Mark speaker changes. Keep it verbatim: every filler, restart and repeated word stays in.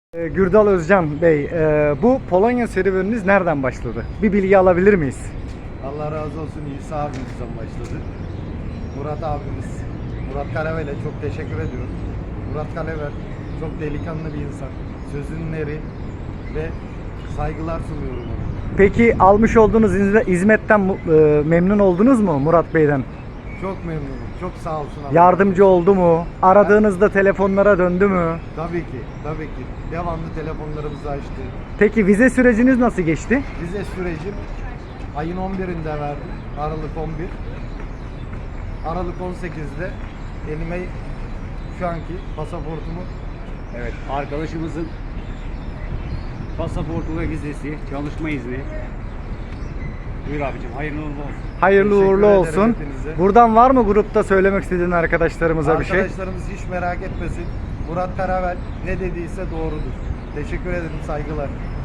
Speaker 1: Ee, Gürdal Özcan Bey, e, bu Polonya serüveniniz nereden başladı? Bir bilgi alabilir miyiz?
Speaker 2: Allah razı olsun, İsa abimizden başladı. Murat abimiz, Murat Karavel'e çok teşekkür ediyorum. Murat Karavel çok delikanlı bir insan. Sözünün eri ve saygılar sunuyorum ona.
Speaker 1: Peki almış olduğunuz hizme- hizmetten mu- e, memnun oldunuz mu Murat Bey'den?
Speaker 2: Çok memnunum, çok sağ olsun. Allah
Speaker 1: Yardımcı oldu mu? Aradığınızda telefonlara döndü mü?
Speaker 2: Tabii ki, tabii ki. Devamlı telefonlarımızı açtı.
Speaker 1: Peki vize süreciniz nasıl geçti?
Speaker 2: Vize sürecim ayın on birinde verdim. Aralık on bir. Aralık on sekizde elime şu anki pasaportumu.
Speaker 3: Evet, arkadaşımızın pasaportu ve vizesi, çalışma izni. Buyur abicim, hayırlı uğurlu olsun.
Speaker 1: Hayırlı
Speaker 2: Teşekkür
Speaker 1: uğurlu
Speaker 2: ederim
Speaker 1: olsun.
Speaker 2: hepinize.
Speaker 1: Buradan var mı grupta söylemek istediğin arkadaşlarımıza bir şey?
Speaker 2: Arkadaşlarımız hiç merak etmesin. Murat Karavel ne dediyse doğrudur. Teşekkür ederim, saygılar.